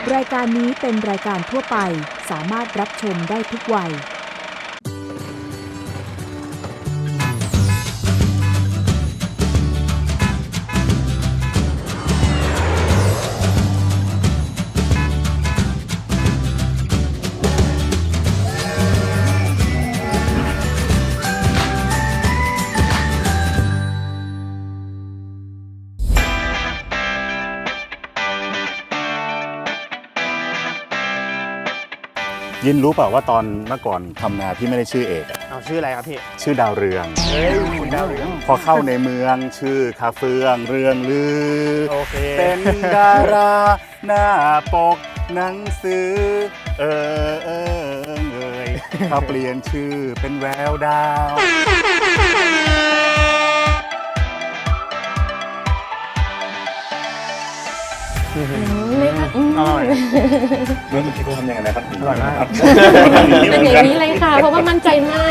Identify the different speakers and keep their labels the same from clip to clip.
Speaker 1: รายการนี้เป็นรายการทั่วไปสามารถรับชมได้ทุกวัย
Speaker 2: ยินรู้เปล่าว่าตอนเมื่อก่อนทำนาพี่ไม่ได้ชื่อเอกอะ
Speaker 3: เอาชื่ออะไรครับพี่
Speaker 2: ชื่อดาวเรือง
Speaker 3: เฮ้ยคุณดาวเรือง
Speaker 2: พอเข้าในเมืองชื่อคาเฟืองเรืองลือ
Speaker 3: โอเค
Speaker 2: เป็นดาราหน้าปกหนังสือเอยเขาเปลี่ยนชื่อเป็นแววดาว
Speaker 3: อร่อย
Speaker 2: เมื่อกี้เขาทำยังไงนะครับ
Speaker 3: อร่อยมาก
Speaker 4: เป็นอย่างนี้เลยค่ะ เพราะว่ามั่นใจมาก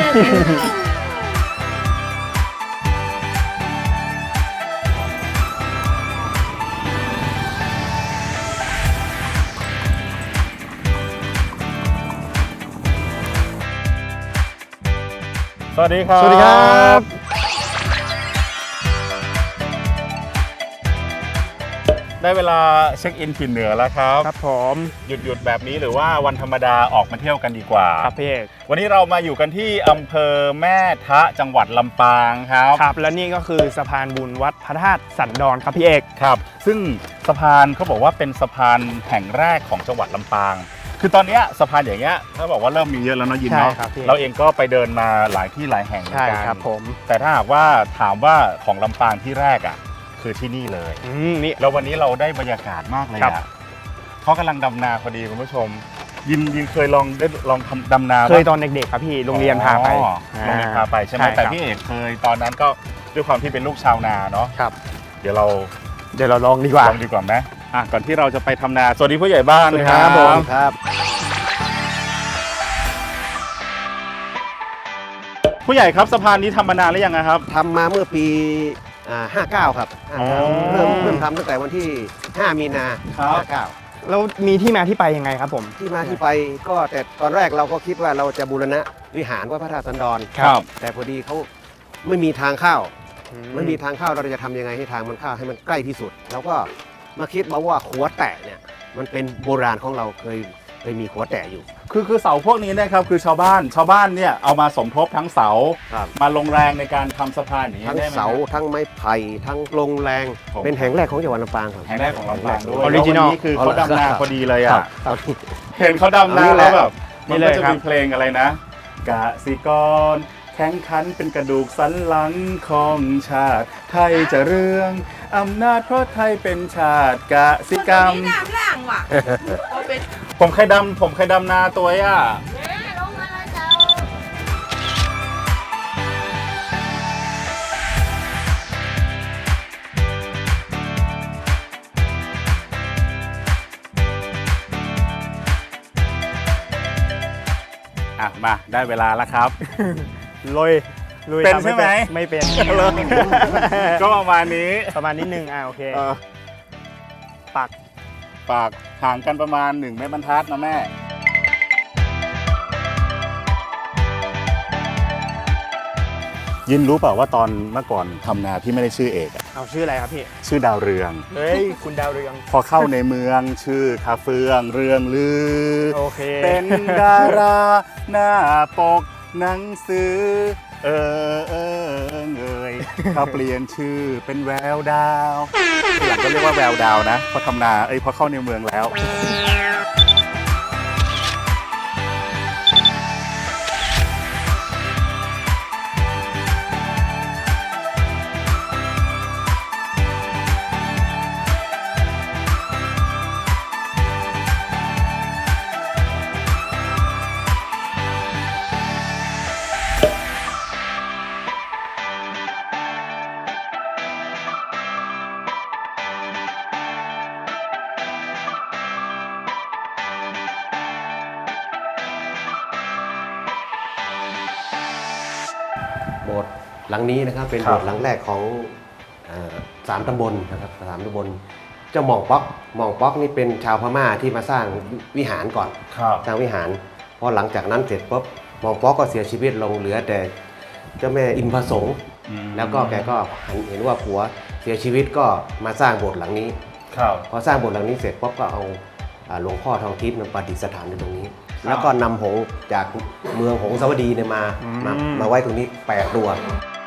Speaker 2: สวัสดีครับ
Speaker 3: สวัสดีครับ
Speaker 2: ได้เวลาเช็คอินถิ่นเหนือแล้วครับ
Speaker 3: ครับผม
Speaker 2: หยุดแบบนี้หรือว่าวันธรรมดาออกมาเที่ยวกันดีกว่า
Speaker 3: ครับพี่เอก
Speaker 2: วันนี้เรามาอยู่กันที่อำเภอแม่ทะจังหวัดลำปางครับ
Speaker 3: ครับและนี่ก็คือสะพานบุญวัดพระธาตุสันดอนครับพี่เอก
Speaker 2: ครับ ซึ่งสะพานเขาบอกว่าเป็นสะพานแห่งแรกของจังหวัดลำปาง คือตอนเนี้ยสะพานอย่างเงี้ยเขาบอกว่าเริ่มมีเยอะแล้วเนาะยินเนาะ
Speaker 3: ใช่ครับพี่
Speaker 2: เราเองก็ไปเดินมาหลายที่หลายแห่งเหมือน
Speaker 3: ใช่
Speaker 2: กัน
Speaker 3: ครับผม
Speaker 2: แต่ถ้าหากว่าถามว่าของลำปางที่แรกอ่ะคือที่นี่เลย
Speaker 3: นี่
Speaker 2: แล้ววันนี้เราได้บรรยากาศมากเลย
Speaker 3: ครับ
Speaker 2: อ่ะเขากำลังดำนาพอดีคุณผู้ชม ยินเคยลองทำดำนา
Speaker 3: เคย
Speaker 2: ปะ
Speaker 3: ตอนเด็กๆครับพี่โรงเรียนพาไป
Speaker 2: อ๋อโรงเรียนพาไปใช่ไหม
Speaker 3: ใช่ครับ
Speaker 2: แต่พี่เอกเคยตอนนั้นก็ด้วยความที่เป็นลูกชาวนาเนาะ
Speaker 3: ครับ
Speaker 2: เดี๋ยวเรา
Speaker 3: เดี๋ยวเราลองดีกว่า
Speaker 2: ลองดีกว่าไหมก่อนที่เราจะไปทำนาสวัสดีผู้ใหญ่บ้าน
Speaker 3: สวัสดีครับผม
Speaker 5: ครับ
Speaker 2: ผู้ใหญ่ครับสะพานนี้ทำมานานหรือยังนะครับ
Speaker 5: ทำมาเมื่อปี59 ครับ
Speaker 2: อ๋อ
Speaker 5: 59เริ่มทำตั้งแต่วันที่ 5 มีนา
Speaker 2: ครับ
Speaker 5: 59
Speaker 3: แล้วมีที่มาที่ไปยังไงครับผม
Speaker 5: ที่มาที่ไปก็แต่ตอนแรกเราก็คิดว่าเราจะบูรณะวิหารวัดพระธาตุสันดร
Speaker 2: ครับ
Speaker 5: แต่พอดีเขาไม่มีทางเข้าไม่มีทางเข้าเราจะทำยังไงให้ทางมันเข้าให้มันใกล้ที่สุดเราก็มาคิดมาว่าขัวแตะเนี่ยมันเป็นโบราณของเราเคยมีขัวแตะอยู่
Speaker 2: คือเสาพวกนี้นะครับคือชาวบ้านเนี่ยเอามาสมทบทั้งเสา
Speaker 5: ครับ
Speaker 2: มาลงแรงในการทำสะพานอย่างนี้
Speaker 5: ทั้ง
Speaker 2: ได้ไหม
Speaker 5: เสาทั้งไม้ไผ่ทั้งลงแรง
Speaker 2: ผม
Speaker 5: เป็นแห่งแรกของจังหวัดลำปางครับ
Speaker 2: แห่งแรกของลำปางด้วย
Speaker 3: Original
Speaker 2: แล้ววันนี้คือเขาดำนาพอดีเลย
Speaker 5: ครั
Speaker 2: อ่ะ
Speaker 5: บครับ
Speaker 2: เห็นเขาดำนา
Speaker 5: นี่แห
Speaker 2: แล้ว
Speaker 5: ละ
Speaker 2: แบบ
Speaker 3: นี่
Speaker 2: มัน
Speaker 3: เล
Speaker 2: ก็
Speaker 3: ย
Speaker 2: จะ
Speaker 3: ครับ
Speaker 2: มีเพลงอะไรนะกสิกรแข็งขันเป็นกระดูกสันหลังของชาติ ไทยจะเรืองอำนาจเพราะไทยเป็นชาติกสิกรรม
Speaker 6: นี่น้ำล่างว่ะเอาเป็น
Speaker 2: ผมเคยดำนาตัวอ่ะ
Speaker 6: ลงมาแล้วเจ้า
Speaker 2: มาได้เวลาแล้วครับ
Speaker 3: ลุย
Speaker 2: เป็น
Speaker 3: ครับ
Speaker 2: ใช่ไหม
Speaker 3: ไม่เป็น
Speaker 2: ก็ประมาณนี้
Speaker 3: ประมาณนิดนึงโอเค
Speaker 2: เออ
Speaker 3: ปัก
Speaker 2: ปากห่างกันประมาณ1 เมตรบรรทัดนะแม่ ยินรู้เปล่าว่าตอนเมื่อก่อนทำนาพี่ไม่ได้ชื่อเอกอะ
Speaker 3: เอาชื่ออะไรครับพี่
Speaker 2: ชื่อดาวเรือง
Speaker 3: เฮ้ยคุณดาวเรือง
Speaker 2: พอเข้าในเมืองชื่อคาเฟืองเรืองลือ
Speaker 3: โอเค
Speaker 2: เป็นดาราหน้าปกหนังสือเอยเขาเปลี่ยนชื่อเป็นแววดาวทีหลังก็เรียกว่าแววดาวนะพอทำนาพอเข้าในเมืองแล้ว
Speaker 5: โบสถ์หลังนี้นะครับเป็น
Speaker 2: ครับ
Speaker 5: โบสถ์หลังแรกของ3 ตำบลนะครับ3 ตำบลเจ้าหม่องป๊อกนี่เป็นชาวพม่าที่มาสร้างวิหารก่อน
Speaker 2: ครับ
Speaker 5: สร้างวิหารพอหลังจากนั้นเสร็จปุ๊บหม่องป๊อกก็เสียชีวิตลงเหลือแต่เจ้าแม่อินพสงฆ์แล้วก็แกก็เห็นว่าผัวเสียชีวิตก็มาสร้างโบสถ์หลังนี้
Speaker 2: ครับ
Speaker 5: พอสร้างโบสถ์หลังนี้เสร็จปุ๊บก็เอาหลวงพ่อทองทิพย์มาประดิษฐานอยู่ตรงนี้ แล้วก็นำหงส์จากเมืองหงสาวดีเนี่ยมาไว้ตรงนี้8 ตัว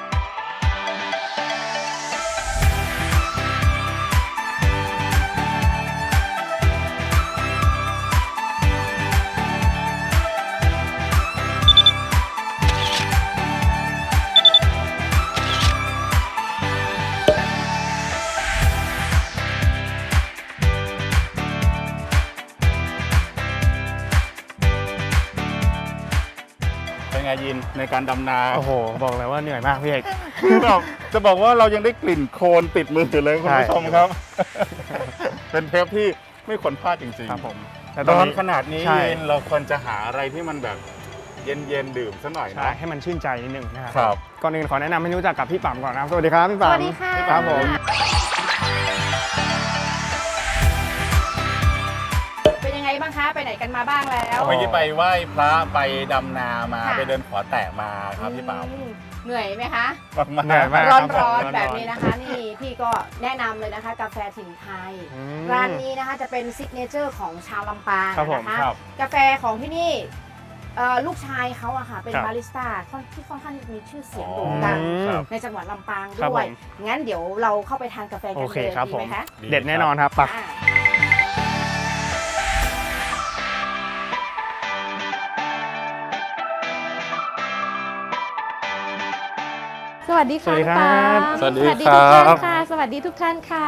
Speaker 2: เป็นไงยินในการดำนา
Speaker 3: โอ้โห บอกเลยว่าเหนื่อยมากพี่เอก
Speaker 2: คือแบบจะบอกว่าเรายังได้กลิ่นโคลนติดมืออยู่เลยคุณผู้ชมครับ เป็นเทปที่ไม่ควรพลาดจริงๆ
Speaker 3: ครับผม แต่ต
Speaker 2: ร้
Speaker 3: อน
Speaker 2: อน
Speaker 3: นี้
Speaker 2: ขนาดนี้
Speaker 3: ใช่
Speaker 2: ยินเราควรจะหาอะไรที่มันแบบเย็นๆดื่มสักหน่อย
Speaker 3: ใช่
Speaker 2: นะ
Speaker 3: ให้มันชื่นใจนิดนึงนะครับ
Speaker 2: ครับ
Speaker 3: ก่อนอื่นขอแนะนำให้รู้จักกับพี่ปั๊มก่อนนะครับ สวัสดีครับพี่
Speaker 4: ส
Speaker 3: ปั๊ม
Speaker 4: วัสดีค่ะ
Speaker 3: ครับผม
Speaker 6: เป็นยังไงบ้างคะ ไปไหนกันมาบ้างแล้ว
Speaker 2: เมื่อกี้ไปไหว้พระไปดำนามา
Speaker 6: ค่ะ
Speaker 2: ไปเดินขอแตะมาครับพี่ปั๊ม
Speaker 6: เหนื่อยไหมคะ
Speaker 2: มาก
Speaker 3: เหนื่อยมาก
Speaker 6: ร้อน
Speaker 3: ค
Speaker 6: ร้อน
Speaker 3: บ
Speaker 6: แบบนี้นะคะ นี่พี่ก็แนะนำเลยนะคะ กาแฟถิ่นไทย
Speaker 3: อืม
Speaker 6: ร้านนี้นะคะจะเป็นซิกเนเจอร์ของชาวลำปาง
Speaker 3: ครับผม
Speaker 6: นะคะ
Speaker 2: ครับ
Speaker 6: กาแฟของที่นี่ลูกชายเขาอะค่ะเป็น
Speaker 3: ครับ
Speaker 6: บาริสต้าที่ค่อนข้างมีชื่อเสียงโด่งดัง
Speaker 2: ครับ
Speaker 6: ในจังหวัดลำปาง
Speaker 3: ครับ
Speaker 6: ด้วย
Speaker 3: ผม
Speaker 6: งั้นเดี๋ยวเราเข้าไปทานกาแฟกัน
Speaker 3: โอ
Speaker 6: เล
Speaker 3: เค
Speaker 6: ย
Speaker 3: ครับ
Speaker 6: ดี
Speaker 3: ผ
Speaker 6: ไหม
Speaker 3: ม
Speaker 6: คะ
Speaker 3: เด็ดแน่นอนครับไป
Speaker 6: อ่า
Speaker 4: สวัสดี
Speaker 3: สวั
Speaker 4: ค่ะ
Speaker 3: สดีครับ
Speaker 4: ปั๊ม
Speaker 2: สวัสดี
Speaker 4: ทุก
Speaker 2: ครั
Speaker 4: ท่าน
Speaker 2: บ
Speaker 4: ค่ะ สวัสดีทุกท่านค่ะ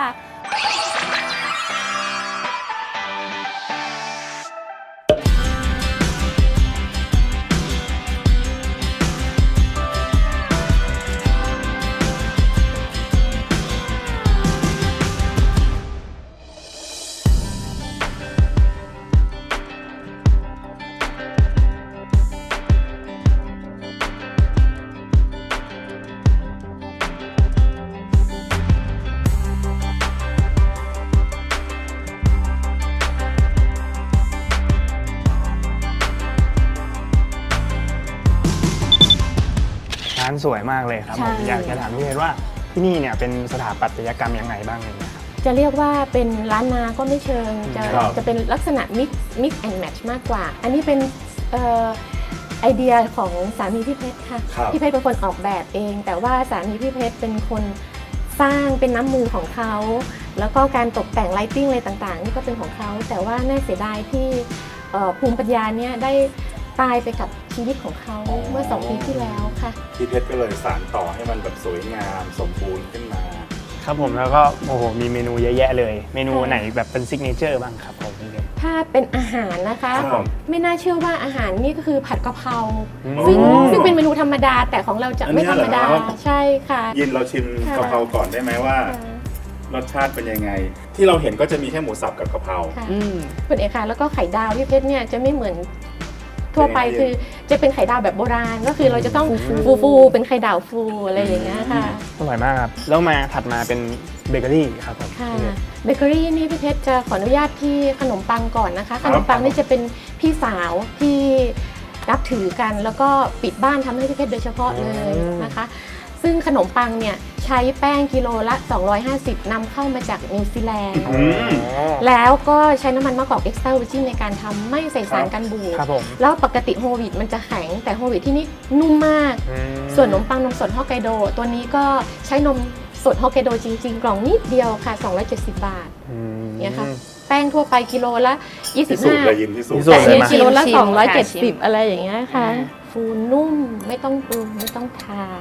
Speaker 3: ร้านสวยมากเลยครับ
Speaker 4: ใช่
Speaker 3: ผมอยากจะถามพี่เอกว่าที่นี่เนี่ยเป็นสถาปัตยกรรมยังไงบ้างเลยนะครับ
Speaker 4: จะเรียกว่าเป็นร้านนาก็ไม่เชิง
Speaker 2: ครับ
Speaker 4: จะเป็นลักษณะ mix and match มากกว่า อันนี้เป็นไอเดียของสามีพี่เพชรค่ะ
Speaker 2: ครับ
Speaker 4: พี่เพชรเป็นคนออกแบบเอง แต่ว่าสามีพี่เพชรเป็นคนสร้างเป็นน้ำมือของเขา แล้วก็การตกแต่งไลติ้งอะไรต่างๆ นี่ก็เป็นของเขา แต่ว่าน่าเสียดายที่ภูมิปัญญาเนี่ยได้ตายไปกับชีวิตของเขาเมื่อ 2 ปีที่แล้วค่ะ
Speaker 2: พี่เพชรก็เลยสานต่อให้มันแบบสวยงามสมบูรณ์ขึ้นมา
Speaker 3: ครับผมแล้วก็โอ้โหมีเมนูเยอะแยะเลย เมนูไหนแบบเป็นซิกเนเจอร์บ้างครับผมพี่เอก
Speaker 4: ถ้าเป็นอาหารนะคะ
Speaker 2: ครับ
Speaker 4: ไม่น่าเชื่อว่าอาหารนี่ก็คือผัดกะเพรา
Speaker 3: อืม
Speaker 4: ซึ่งเป็นเมนูธรรมดาแต่ของเราจะไม่ธรรมดา
Speaker 2: อันนี้เหรอ
Speaker 4: ใช่ค่ะ
Speaker 2: ยินเราชิม
Speaker 4: ค่ะ
Speaker 2: กะเพราก่อนได้ไหมว่า รสชาติเป็นยังไง ที่เราเห็นก็จะมีแค่หมูสับกับกะเพรา
Speaker 4: ค่ะคุณเอกค่ะแล้วก็ไข่ดาวพี่เพชรเนี่ยจะไม่เหมือนทั่วไป
Speaker 2: เป็นไง
Speaker 4: คือจะเป็นไข่ดาวแบบโบราณก็คือเราจะต้องฟูเป็นไข่ดาวฟูอะไรอย่างเงี้ยค่ะ
Speaker 3: อร่อยมากครับแล้วมาถัดมาเป็นเบเกอรี่ครับผม
Speaker 4: ค่ะ
Speaker 3: พี่เอก
Speaker 4: เบเกอรี่นี่พี่เพชรจะขออนุญาตที่ขนมปังก่อนนะคะ ขนมปังนี่จะเป็นพี่สาวที่นับถือกัน แล้วก็ปิดบ้านทำให้พี่เพชรโดยเฉพาะเลยนะคะ ซึ่งขนมปังเนี่ยใช้แป้งกิโลละ 250นำเข้ามาจากนิวซีแลนด์
Speaker 2: อืม
Speaker 4: แล้วก็ใช้น้ำมันมะกอกเอ็กซ์ตร้าเวอร์จินในการทำไม่ใส่สารกันบูด
Speaker 3: ครับผม
Speaker 4: แล้วปกติโฮลวีตมันจะแข็งแต่โฮลวีตที่นี่นุ่มมาก
Speaker 3: อืม
Speaker 4: ส่วนขนมปังนมสดฮอกไกโด ตัวนี้ก็ใช้นมสดฮอกไกโดจริงๆ กล่องนิดเดียวค่ะ 270 บาท
Speaker 3: อืม
Speaker 4: เนี่ยค่ะ แป้งทั่วไปกิโลละ
Speaker 2: พิสูจน์เลย
Speaker 4: 25
Speaker 2: ยินพิสูจ
Speaker 3: พิ
Speaker 2: น์
Speaker 3: สูจ
Speaker 4: แต่
Speaker 3: น์
Speaker 4: อันนี้
Speaker 3: มา
Speaker 4: กิโลละ
Speaker 6: ชิมค่ะชิม
Speaker 4: 270 อะไรอย่างเงี้ยค่ะ ฟูนุ่มไม่ต้องปรุงไม่ต้องทา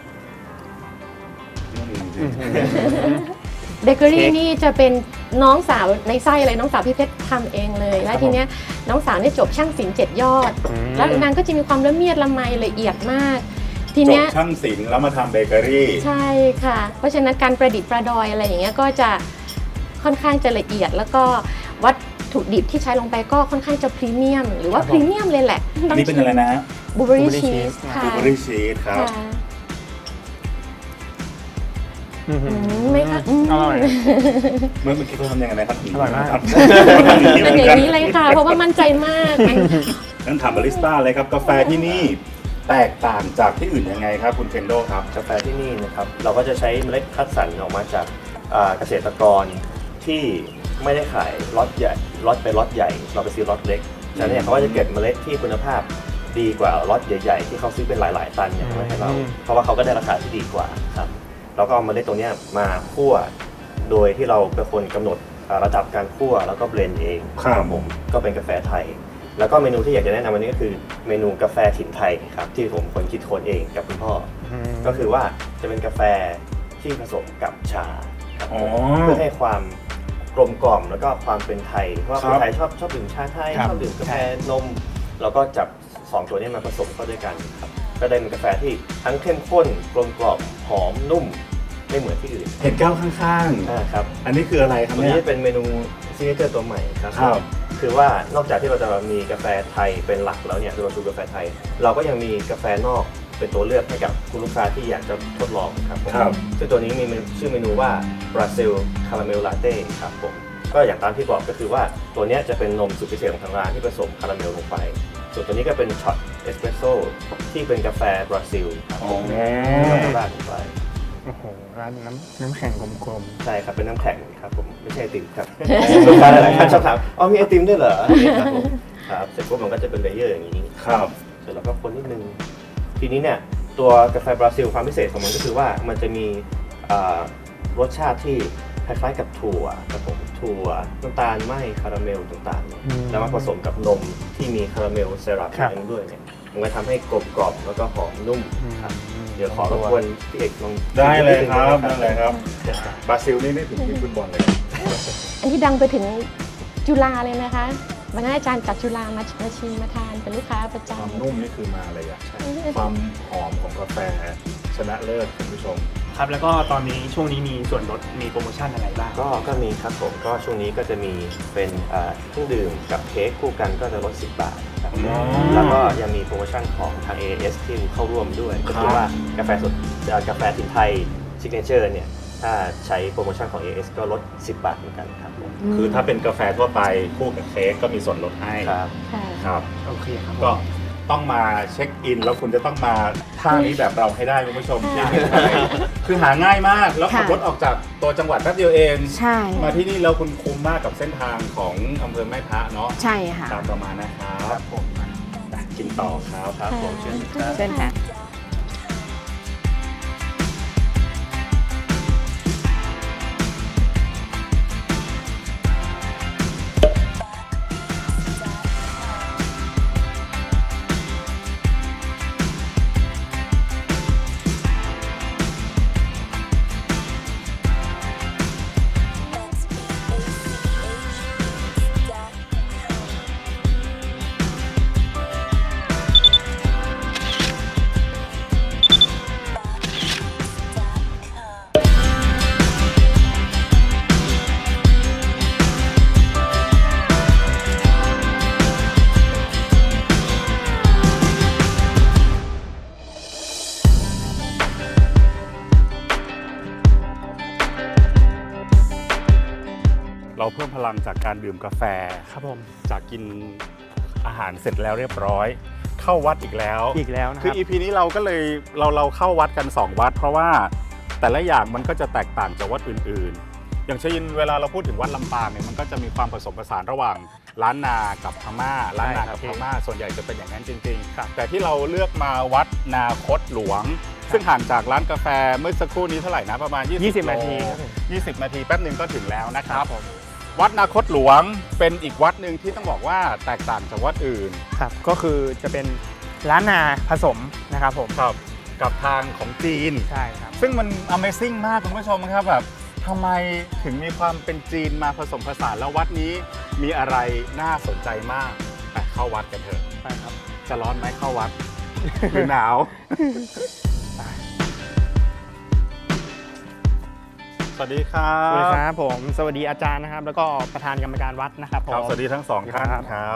Speaker 4: เบเกอรี่นี่จะเป็นน้องสาวในไส้อะไรน้องสาวพี่เพชรทำเองเลย แล้วทีเนี้ยน้องสาวเนี่ยจบช่างศิลป์7 ยอด แล้วนางก็จะมีความละเมียดละไมละเอียดมาก ที
Speaker 2: จบ
Speaker 4: เนี้ย
Speaker 2: ช่างศิลป์แล้วมาทำเบเกอรี่
Speaker 4: ใช่ค่ะ เพราะฉะนั้นการประดิษฐ์ประดอยอะไรอย่างเงี้ยก็จะค่อนข้างจะละเอียด แล้วก็วัตถุดิบที่ใช้ลงไปก็ค่อนข้างจะพรีเมียม หรือว่าพรีเมียมเลยแหละ
Speaker 2: นี่เป็นอะไรนะ
Speaker 4: บลูเบอรี่
Speaker 3: Blueberry
Speaker 4: ชีส
Speaker 3: cheese
Speaker 4: ค่ะ
Speaker 2: บลูเบอรี่ชีสครับ
Speaker 4: ค่ะไหมคะ
Speaker 3: อร่อย
Speaker 2: เมื่อกี้เขาทำยังไงนะครับ
Speaker 3: อร่อยมาก
Speaker 2: ครับ
Speaker 4: เป็นอย่างนี้เลยค่ะ เพราะว่ามั่นใจมาก
Speaker 2: งั้นถามบาริสต้าเลยครับกาแฟที่นี่แตกต่างจากที่อื่นยังไงครับคุณเคนโดครับ
Speaker 7: กาแฟที่นี่นะครับเราก็จะใช้เมล็ดคัดสรรออกมาจากเกษตรกรที่ไม่ได้ขายล็อตใหญ่ล็อตใหญ่เราไปซื้อล็อตเล็กฉะนั้นเนี่ยเขาก็จะเก็บเมล็ดที่คุณภาพดีกว่าล็อตใหญ่ๆที่เขาซื้อเป็นหลายๆตันเนี่ยไว้ให้เราเพราะว่าเขาก็ได้ราคาที่ดีกว่าครับแล้วก็เอาเมล็ดตรงเนี้ยมาคั่วโดยที่เราเป็นคนกำหนดระดับการคั่วแล้วก็เบลนด์เอง
Speaker 2: ครับ
Speaker 7: ผมก็เป็นกาแฟไทย แล้วก็เมนูที่อยากจะแนะนำวันนี้ก็คือเมนูกาแฟถิ่นไทยครับที่ผมคนคิดค้นเองกับคุณพ่ออก็คือว่าจะเป็นกาแฟที่ผสมกับชาครับ
Speaker 2: อ๋อ
Speaker 7: เพื่อให้ความกลมกล่อมแล้วก็ความเป็นไทยเพราะว่า
Speaker 2: ครั
Speaker 7: ค
Speaker 2: บ
Speaker 7: นไทยชอบดื่มชาไทย
Speaker 3: ครับ
Speaker 7: ชอบดื่มกาแฟนมแล้วก็จับสองตัวนี้มาผสมเข้าด้วยกันครับก็ได้เป็นกาแฟที่ทั้งเข้มข้นกลมกล่อมหอมนุ่มไม่เหมือนที่อื่น
Speaker 2: เห็นแก้วข้าง
Speaker 7: ครับ
Speaker 2: ๆ อันนี้คืออะไรครับ
Speaker 7: วัน
Speaker 2: เนี่
Speaker 7: นี้
Speaker 2: ย
Speaker 7: จะเป็นเมนูซิกเนเจอร์ตัวใหม่ครับ
Speaker 2: ครับ
Speaker 7: คือว่านอกจากที่เราจะมีกาแฟไทยเป็นหลักแล้วเนี่ยเราสูกาแฟไทย เราก็ยังมีกาแฟนอกเป็นตัวเลือกให้กับคุณลูกค้าที่อยากจะทดลองครับผม
Speaker 2: ครับ
Speaker 7: ซึ่งตัวนี้มีชื่อเมนูว่าบราซิลคาราเมลลาเต้ครับผมก็อย่างตามที่บอกก็คือว่าตัวเนี้ยจะเป็นนมสูตรพิเศษของทางร้านที่ผสมคาราเมลลงไป ส่วนตัวนี้ก็เป็นช็อตเอสเปรสโซ่ที่เป็นกาแฟบราซิลครับผมก็ราดลงไป
Speaker 3: โอ้โหร้านน้ำแข็งกลม
Speaker 7: ใช่ครับเป็นน้ำแข็งครับผมไม่ใช่ไอติมครับ ลูกค้าหลายๆท่านชอบถามอ๋อมีไอติมด้วยเหรอครับผมครับเสร็จปุ๊บมันก็จะเป็นเลเยอร์อย่างนี้
Speaker 2: ครับ
Speaker 7: เสร็จแล้วก็คนนิดนึงทีนี้เนี่ยตัวกาแฟบราซิลความพิเศษของมันก็คือว่ามันจะมีรสชาติที่คล้ายๆกับถั่วครับผมถั่วน้ำตาลไหมคาราเมลต่างๆแล้วมาผสมกับนมที่มีคาราเมลเซรั่มนั่นด้วยเนี่ยมันก็ทำให้กลมกล่อมแล้วก็หอมนุ่มครับเดี๋ยวขอรบกวนพี่เอกลอง
Speaker 2: ได้เลยครับ
Speaker 7: ชิ
Speaker 2: ได้
Speaker 7: ม
Speaker 2: เลยครับบราซิลนี่นึกถึงทีมฟุตบอลเลย
Speaker 4: อันนี้ดังไปถึงจุฬาเลยนะคะวันนั้นอาจารย์จากจุฬามาชิมมาทานเป็นลูกค้าประจ
Speaker 2: ความนุ่มนี่คือมาเลยอะความหอมของกาแฟชนะเลิศคุณผู้ชม
Speaker 3: ๆครับแล้วก็ตอนนี้ช่วงนี้มีส่วนลดมีโปรโมชั่นอะไรบ้าง
Speaker 7: ก็มีครับผมก็ช่วงนี้ก็จะมีเป็นเครื่องดื่มกับเค้กคู่กันก็จะลด 10 บาทครับ
Speaker 2: อ๋อ
Speaker 7: แล้วก็ยังมีโปรโมชั่นของทาง AAS ที่เข้าร่วมด้วย ก็คือว่ากาแฟสดกาแฟถิ่นไทยซิกเนเจอร์เนี่ยถ้าใช้โปรโมชั่นของ AAS ก็ลด 10 บาทเหมือนกันครับผม
Speaker 2: คือถ้าเป็นกาแฟทั่วไปคู่กับเค้กก็มีส่วนลดให้
Speaker 7: ครับ
Speaker 4: ำค่ะ
Speaker 2: ครับ
Speaker 3: โอเคครับ
Speaker 2: ก็ต้องมาเช็คอิน แล้วคุณจะต้องมาท่านี้แบบเราให้ได้คุณผู้ชมที่คือหาง่ายมากแล้วขับรถออกจากตัวจังหวัดแป๊บเดียวเอง
Speaker 1: ใช่
Speaker 2: มาที่นี่แล้วคุณคุ้มมากกับเส้นทางของอำเภอแม่ทะเนาะ
Speaker 1: ใช่ค่ะ
Speaker 2: ตามประมาณนะครับผมกินต่อครับ
Speaker 7: ครับผมเชิญครับ
Speaker 1: เชิญค่ะ
Speaker 2: เราเพิ่มพลังจากการดื่มกาแฟ
Speaker 3: ครับผม
Speaker 2: จากกินอาหารเสร็จแล้วเรียบร้อย เข้าวัดอีกแล้ว
Speaker 3: อีกแล้วนะค
Speaker 2: คือ
Speaker 3: รับ
Speaker 2: EP นี้เราก็เลยเราเข้าวัดกัน 2 วัด เพราะว่าแต่ละอย่างมันก็จะแตกต่างจากวัดอื่นๆ อย่างเช่นเวลาเราพูดถึงวัดลำปางเนี่ยมันก็จะมีความผสมผสานระหว่างล้านนากับพม่าล้านนากับพม่าส่วนใหญ่จะเป็นอย่างนั้นจริงๆแต่ที่เราเลือกมาวัดนาคตหลวง ซึ่งห่างจากร้านกาแฟเมื่อสักครู่นี้เท่าไหร่นะประมาณ20
Speaker 3: นาทีครับผม
Speaker 2: 20 นาทีแป๊บหนึ่งก็ถึงแล้วนะครับ
Speaker 3: ผม
Speaker 2: วัดนาคตหลวงเป็นอีกวัดหนึ่งที่ต้องบอกว่าแตกต่างจากวัดอื่น
Speaker 3: ครับก็คือจะเป็นร้านนาผสมนะครับผม
Speaker 2: กับทางของจีน
Speaker 3: ใช่ครับ
Speaker 2: ซึ่งมัน Amazing มากคุณผู้ชมครับแบบทำไมถึงมีความเป็นจีนมาผสมผสานแล้ววัดนี้มีอะไรน่าสนใจมากไปเข้าวัดกันเถอะ
Speaker 3: ไปครับ
Speaker 2: จะร้อนไหมเข้าวัด หรือหนาว สวัสดีครั
Speaker 3: สวัสดี
Speaker 2: บ
Speaker 3: ครับผมสวัสดีอาจารย์นะครับ แล้วก็ประธานกรรมการวัดนะครับผม
Speaker 2: ครับสวัสดีทั้งสองท่าน
Speaker 3: ครับ
Speaker 2: ครับ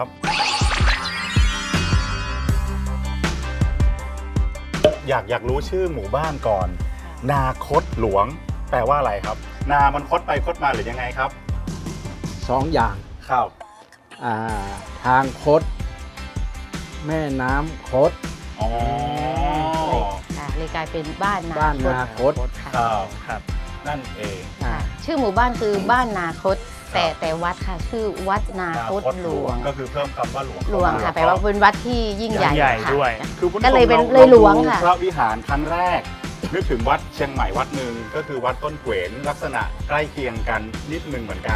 Speaker 2: อยากรู้ชื่อหมู่บ้านก่อน นาคตหลวงแปลว่าอะไรครับ นามันคดไปคดมาหรือยังไงครับ
Speaker 8: 2 อย่าง
Speaker 2: ครับ
Speaker 8: ทางคด แม่น้ำคด
Speaker 2: อ๋อ
Speaker 9: ค่ะเลยกลายเป็นบ้านนา
Speaker 8: บ้านนาคต
Speaker 9: ค่ะ
Speaker 2: ครับ
Speaker 3: ครับ
Speaker 2: นั่นเอง
Speaker 9: ค่ะชื่อหมู่บ้านคือบ้านนาคต แต่วัดค่ะชื่อวัดนาคตหลวง
Speaker 2: ก็คือเพิ่มคำว่าหลวง
Speaker 9: หลวงค่ะแปลว่าเป็นวัดที่ยิ่งใหญ่
Speaker 3: ใหญ่
Speaker 9: ค่ะ
Speaker 3: ด้วย
Speaker 2: คือคุณผู้ช
Speaker 9: ก็
Speaker 2: ม
Speaker 9: เลยเป็น
Speaker 2: รา
Speaker 9: เลยหลวง
Speaker 2: ดู
Speaker 9: ค่ะ
Speaker 2: พระวิหารครั้งแรก นึกถึงวัดเชียงใหม่วัดหนึ่งก็คือวัดต้นเกวนลักษณะใกล้เคียงกันนิดนึงเหมือนกัน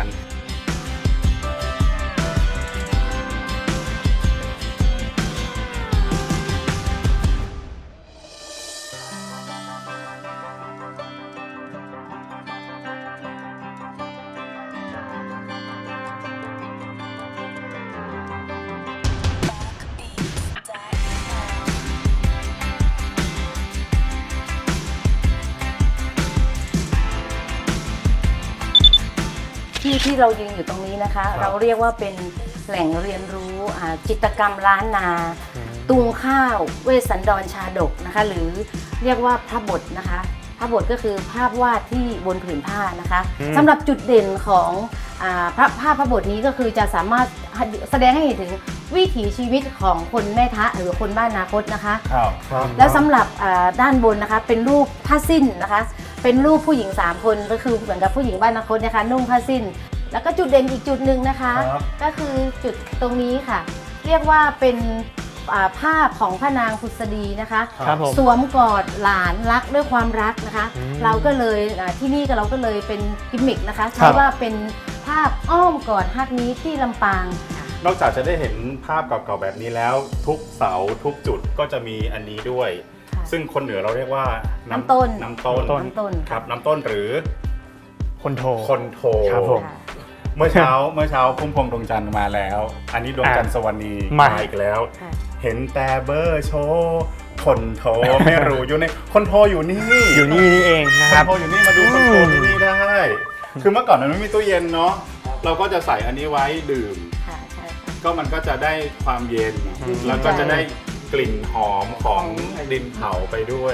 Speaker 9: ที่เรายืนอยู่ตรงนี้นะคะ เราเรียกว่าเป็นแหล่งเรียนรู้จิตรกรรมล้านนา ตุงข้าวเวสสันดรชาดกนะคะ หรือเรียกว่าพระบทนะคะ พระบทก็คือภาพวาดที่บนผืนผ้านะคะสำหรับจุดเด่นของพระบทนี้ก็คือจะสามารถแสดงให้เห็นถึงวิถีชีวิตของคนแม่ทะหรือคนบ้านนาคตนะคะ
Speaker 2: ครับ
Speaker 9: แล้วสำหรับด้านบนนะคะเป็นรูปผ้าสิ้นนะคะ เป็นรูปผู้หญิง3คนก็คือเหมือนกับผู้หญิงบ้านนาคตนะคะนุ่งผ้าสิ้น แล้วก็จุดเด่นอีกจุดหนึ่งนะคะ
Speaker 2: ครับ
Speaker 9: ก็คือจุดตรงนี้ค่ะ เรียกว่าเป็นภาพของพระนางผุษดีนะคะ
Speaker 3: ครับผม
Speaker 9: สวมกอดหลานรักด้วยความรักนะคะ เราก็เลยที่นี่ก็เราก็เลยเป็นกิมมิกนะคะใช้ว่าเป็นภาพอ้อมกอดฮักนี้ที่ลำปางค่ะ
Speaker 2: นอกจากจะได้เห็นภาพเก่าๆแบบนี้แล้ว ทุกเสาทุกจุดก็จะมีอันนี้ด้วย
Speaker 9: ค่ะ
Speaker 2: ซึ่งคนเหนือเราเรียกว่า
Speaker 9: น้ำต้น
Speaker 2: น้ำต้น
Speaker 9: น้ำต้น
Speaker 2: ครับน้ำต้นหรือ
Speaker 3: คนโท
Speaker 2: คนโท
Speaker 3: ครับผม
Speaker 9: ค่ะ
Speaker 2: เมื่อเช้าพุ่มพวงดวงจันทร์มาแล้ว อันนี้ดวงจันทร์สวรรณี
Speaker 3: มา
Speaker 2: อีกแล้ว
Speaker 9: ค่ะ
Speaker 2: เห็นแต่เบอร์โชว์คนโทรไม่รู้อยู่ในคนโทรอยู่นี่
Speaker 3: อยู่นี่นี่เองนะ
Speaker 2: ค
Speaker 3: ค
Speaker 2: รั
Speaker 3: รั
Speaker 2: บบ พออยู่นี่มาดูคนโทรที่นี่ได้ คือเมื่อก่อนมันไม่มีตู้เย็นเนาะ เราก็จะใส่อันนี้ไว้ดื่ม
Speaker 9: ค่ะใช่ค่ะ
Speaker 2: ก็มันก็จะได้ความเย็น แล้วก็จะได้กลิ่นหอมของดินเผาไปด้วย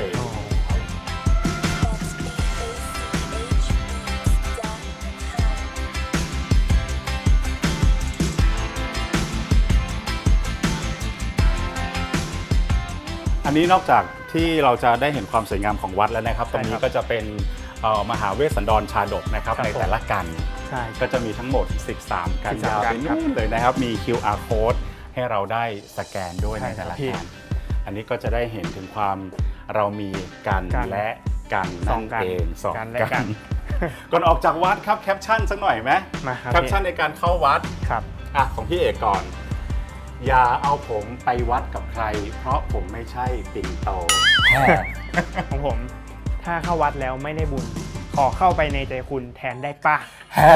Speaker 2: อันนี้นอกจากที่เราจะได้เห็นความสวยงามของวัดแล้วนะครับ ตรงนี้ก็จะเป็นมหาเวสสันดรชาดกนะครับ
Speaker 3: ครับ
Speaker 2: ในแต่ละกัน
Speaker 3: ใช่
Speaker 2: ก็จะมีทั้งหมด 13 กัน
Speaker 3: 13
Speaker 2: ยาวไป
Speaker 3: กันครับ
Speaker 2: นู่นเลยนะครับ มี QR code ให้เราได้สแกนด้วย
Speaker 3: ใช่
Speaker 2: ในแต่ละ
Speaker 3: ครับพี่
Speaker 2: กันอันนี้ก็จะได้เห็นถึงความเรามีกัน
Speaker 3: กัน
Speaker 2: และกัน
Speaker 3: ส
Speaker 2: นั่
Speaker 3: อง
Speaker 2: น
Speaker 3: กัน
Speaker 2: เองสอง
Speaker 3: กันและ
Speaker 2: กั
Speaker 3: กัน
Speaker 2: น ก่อนออกจากวัดครับแคปชั่นสักหน่อยไหม
Speaker 3: มาครับ
Speaker 2: แคปชั่นในการเข้าวัด
Speaker 3: ครับ
Speaker 2: อ่ะของพี่เอกก่อน อย่าเอาผมไปวัดกับใคร เพราะผมไม่ใช่ปิ่นโต
Speaker 3: ของผม ถ้าเข้าวัดแล้วไม่ได้บุญ ขอเข้าไปในใจคุณแทนได้ป่ะ
Speaker 2: แฮ่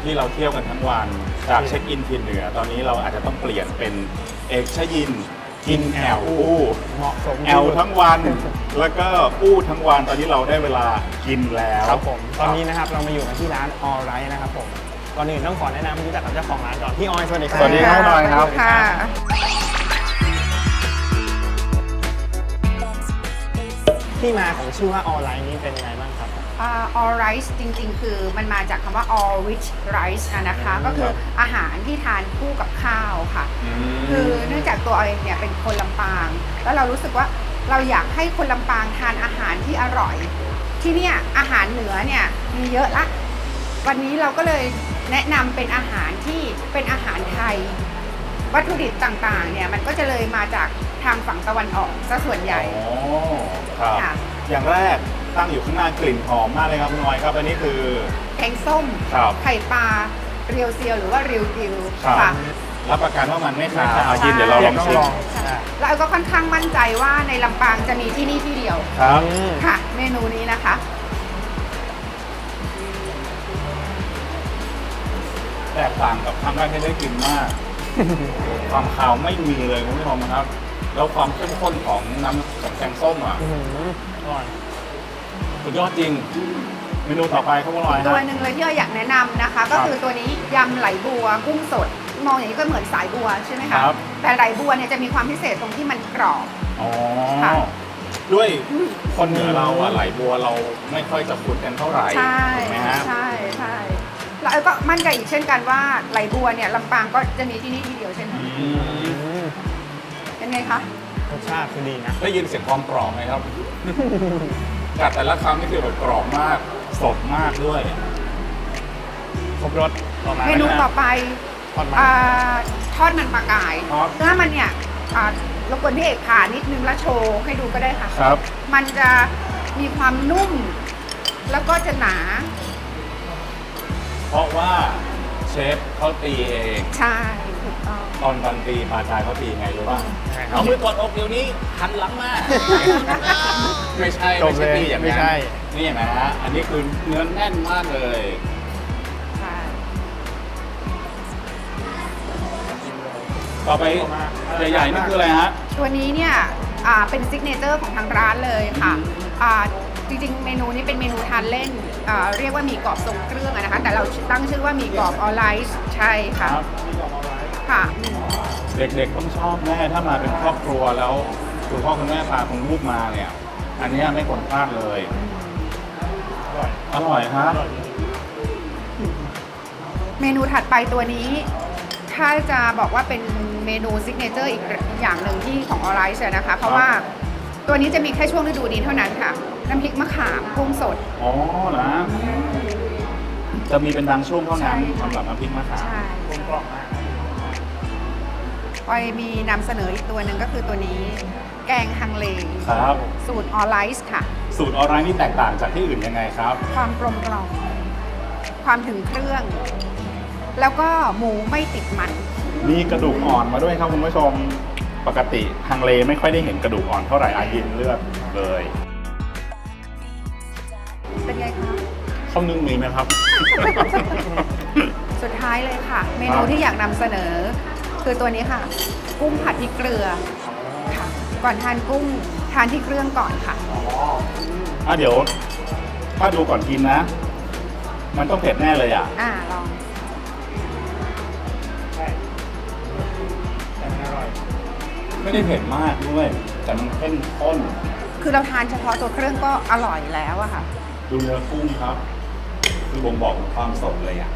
Speaker 2: ที่เราเที่ยวกันทั้งวันจากเช็คอินถิ่นเหนือ ตอนนี้เราอาจจะต้องเปลี่ยนเป็นเอกชยินกินแอลอู้
Speaker 3: เหมาะสม
Speaker 2: แอลทั้งวัน แล้วก็อู้ทั้งวันตอนนี้เราได้เวลากินแล้ว
Speaker 3: ครับผมตอนนี้นะครับเรามาอยู่กันที่ร้าน All Right นะครับผมก่อนอื่นต้องขอแนะนำให้รู้จักกับเจ้าของร้านก่อนพี่ออยสวัสดีครับ
Speaker 2: สวัสดีครับน้อยครับ
Speaker 10: ค่ะ
Speaker 3: ที่มาของชื่อว่า All Right นี้เป็นยังไงบ้างครับ
Speaker 10: all rice จริงๆ คือมันมาจากคำว่า all rich rice นะคะ ก็คืออาหารที่ทานคู่กับข้าวค่ะ คือเนื่องจากตัวเองเนี่ยเป็นคนลำปาง แล้วเรารู้สึกว่าเราอยากให้คนลำปางทานอาหารที่อร่อย ที่เนี่ยอาหารเหนือเนี่ยมีเยอะละ วันนี้เราก็เลยแนะนำเป็นอาหารที่เป็นอาหารไทย วัตถุดิบต่างๆ เนี่ยมันก็จะเลยมาจากทางฝั่งตะวันออกซะส่วนใหญ่
Speaker 2: อ๋อครับ
Speaker 10: ค่ะ
Speaker 2: อย่างแรกตั้งอยู่ข้างหน้ากลิ่นหอมมากเลยครับคุณน้อยครับ อันนี้คือ
Speaker 10: แกงส้ม
Speaker 2: ครับ
Speaker 10: ไข่ปลาเรียวเซียวหรือว่าริวกิว
Speaker 2: ครับ
Speaker 10: ค่ะ
Speaker 2: รับประกันว่ามันไม่ขาวอายินเดี๋ยวเราลองชิม
Speaker 10: แล้วก็ค่อนข้างมั่นใจว่าในลำปางจะมีที่นี่ที่เดียว
Speaker 2: ครับ
Speaker 10: ค่ะ เมนูนี้นะคะ
Speaker 2: แตกต่างกับครั้งแรกที่ได้กินมาก ความขาวไม่มีเลยคุณผู้ชมครับ แล้วความเข้มข้นของน้ำของแกงส้มอ่ะ
Speaker 3: อร่อย
Speaker 2: สุดยอดจริง เมนูต่อไปครับคุณน้อย
Speaker 10: ตัว
Speaker 2: ฮะ
Speaker 10: หนึ่งเลยที่เราอยากแนะนำนะคะ ก็คือตัวนี้ยำไหลบัวกุ้งสด มองอย่างนี้ก็เหมือนสายบัวใช่ไหมคะ
Speaker 2: ครับ
Speaker 10: แต่ไหลบัวเนี่ยจะมีความพิเศษตรงที่มันกรอบ
Speaker 2: อ๋อ
Speaker 10: ค่ะ
Speaker 2: ด้วยคนเหนือเราอะไหลบัวเราไม่ค่อยจะคุ้นกันเท่าไหร่
Speaker 10: ใช่
Speaker 2: ถูกไหมฮะ
Speaker 10: ใช่ใช่แล้วก็มั่นใจอีกเช่นกันว่าไหลบัวเนี่ยลำปางก็จะมีที่นี่ที่เดียวเช่นกัน
Speaker 2: อืม
Speaker 10: เป็นไงคะ
Speaker 3: รสชาติคือดีนะ
Speaker 2: ได้ยินเสียงความกรอบไหมครับ กัดแต่ละคำนี่คือแบบกรอบมากสดมากด้วย
Speaker 3: ครบรสต่อมา
Speaker 10: เมนูต่อไป
Speaker 3: ทอดมัน
Speaker 10: ทอดมันปลากาย
Speaker 2: ครับ
Speaker 10: เนื้อมันเนี่ยรบกวนพี่เอกผ่านิดนึงแล้วโชว์ให้ดูก็ได้ค่ะ
Speaker 2: ครับ
Speaker 10: มันจะมีความนุ่ม แล้วก็จะหนา
Speaker 2: เพราะว่าเชฟเขาตีเอง
Speaker 10: ใช่ถูกต้อง
Speaker 2: ตอนวันตีปลาชายเขาตีไงรู้ป่ะเอามือกดอกเดี๋ยวนี้หันหลังมา ไม่ใช่
Speaker 3: จบเลย
Speaker 2: ตีอย่าง
Speaker 3: ไม่
Speaker 2: นั้น
Speaker 3: ใช่
Speaker 2: นี่เห็นไหมฮะอันนี้คือเนื้อแน่นมากเลย
Speaker 10: ใช่
Speaker 2: ต่อไปใหญ่ๆนี่คืออะไรฮะ
Speaker 10: ตัวนี้เนี่ยเป็นซิกเนเจอร์ของทางร้านเลยค่ะจริงๆ เมนูนี้เป็นเมนูทานเล่นเรียกว่าหมี่กรอบทรงเครื่องอะนะคะ แต่เราตั้งชื่อว่าหมี่กรอบออไลท์ใช่ค่ะ
Speaker 2: ครับ
Speaker 10: ค่ะ
Speaker 2: เด็กๆต้องชอบแน่ถ้ามาเป็นครอบครัวแล้วคุณพ่อคุณแม่พาคุณลูกมาเนี่ย อันเนี้ยไม่ควรพลาดเลย อร่อยครับ
Speaker 10: เมนูถัดไปตัวนี้ ถ้าจะบอกว่าเป็นเมนูซิกเนเจอร์อีกอย่างหนึ่งที่ของออไลท์นะคะ เพราะว่าตัวนี้จะมีแค่ช่วงฤดูนี้เท่านั้นค่ะ น้ำพริกมะขามกุ้งสด
Speaker 2: อ๋อนะจะมีเป็นบางช่วงเท่านั้น
Speaker 10: ใช่
Speaker 2: สำหรับน้ำพริกมะขาม
Speaker 10: ใช่
Speaker 3: กลมกล่อมมาก
Speaker 10: ออยมีนำเสนออีกตัวหนึ่งก็คือตัวนี้ แกงฮังเล
Speaker 2: ครับ
Speaker 10: สูตรออไลท์ค่ะ
Speaker 2: สูตรออนไลน์นี่แตกต่างจากที่อื่นยังไงครับ
Speaker 10: ความกลมกล่อมความถึงเครื่อง แล้วก็หมูไม่ติดมัน
Speaker 2: มีกระดูกอ่อนมาด้วยครับคุณผู้ชม ปกติฮังเลไม่ค่อยได้เห็นกระดูกอ่อนเท่าไหร่อายินเลือกเลย
Speaker 10: เป็นไงคะ
Speaker 2: ข้าวนึ่งมีไหมครับ
Speaker 10: สุดท้ายเลยค่ะ เมนูที่อยากนำเสนอ คือตัวนี้ค่ะ กุ้งผัดพริกเกลือค่ะ ก่อนทานกุ้งทานที่เครื่องก่อนค่ะ
Speaker 2: เดี๋ยว ถ้าดูก่อนกินนะ มันต้องเผ็ดแน่เลยอ่ะ
Speaker 10: ลอง
Speaker 3: แต่มันอร่อย
Speaker 2: ไม่ได้เผ็ดมากด้วย แต่มันเข้มข้น
Speaker 10: คือเราทานเฉพาะตัวเครื่องก็อร่อยแล้วอะค่ะ
Speaker 2: ดูเนื้อกุ้งครับ คือบ่งบอกถึงความสดเลยอ่ะ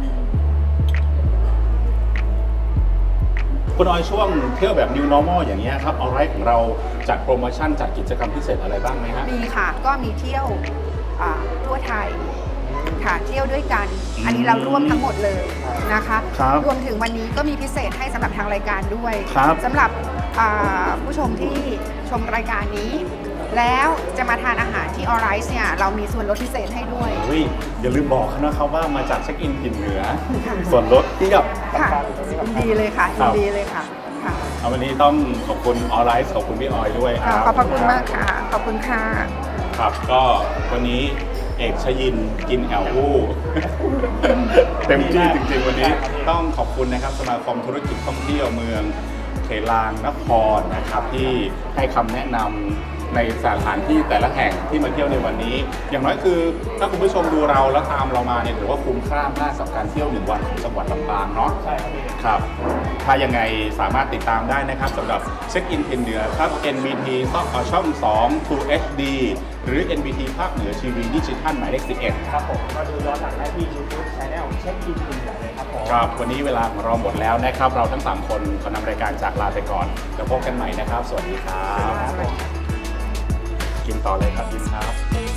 Speaker 2: คุณออยช่วงเที่ยวแบบ New Normal อย่างเงี้ยครับเอาไรของเราจัดโปรโมชั่นจัดกิจกรรมพิเศษอะไรบ้างไหมฮะ
Speaker 10: มีค่ะ ก็มีเที่ยวทั่วไทยค่ะ เที่ยวด้วยกัน อันนี้เราร่วมทั้งหมดเลยนะคะ
Speaker 2: ครับ
Speaker 10: รวมถึงวันนี้ก็มีพิเศษให้สำหรับทางรายการด้วย
Speaker 2: ครับ
Speaker 10: สำหรับผู้ชมที่ชมรายการนี้ แล้วจะมาทานอาหารที่ออไรส์เนี่ยเรามีส่วนลดพิเศษให้ด้วย
Speaker 2: อุ้ยอย่าลืมบอกเขานะครับว่ามาจากเช็คอินถิ่นเหนือ ส่วนลดเทียบ
Speaker 10: ค่ะยินดีเลยค่ะ
Speaker 2: ครั
Speaker 10: ยิ
Speaker 2: บ
Speaker 10: นดีเลยค่ะค่ะ
Speaker 2: เอาวันนี้ต้องขอบคุณออนไลน์ขอบคุณพี่ออยด้วยครับ
Speaker 10: ขอบพระคุณมากค่ะ ขอบคุณค่ะ
Speaker 2: ครับ ก็วันนี้เอกชยินกินแอลวูเต็มที่จริงๆวันนี้ต้องขอบคุณนะครับสมาคมธุรกิจท่องเที่ยวเมืองเขลางนครนะครับที่ให้คำแนะนำในสถานที่แต่ละแห่งที่มาเที่ยวในวันนี้ อย่างน้อยคือถ้าคุณผู้ชมดูเราแล้วตามเรามาเนี่ยถือว่าคุ้มค่ามากกับการเที่ยว1 วันของจังหวัดลำปางเนาะใช่ครับถ้ายังไงสามารถติดตามได้นะครับสำหรับเช็คอินทินเหนือครับ NBT ช่อง2 True HD หรือ NBT ภาคเหนือทีวีดิจิทัลหมายเลข11
Speaker 3: ครับผมก็ดูย้อนหลังได้ที่ YouTube Channel เช็คอินทินเหนือเลยครับผม
Speaker 2: ครับวันนี้เวลาของเราหมดแล้วนะครับเราทั้ง3คนขอนำรายการจากลาไปก่อนแล้วพบกันใหม่นะครับสวัสดีครับกินต่อเลยครับยินครับ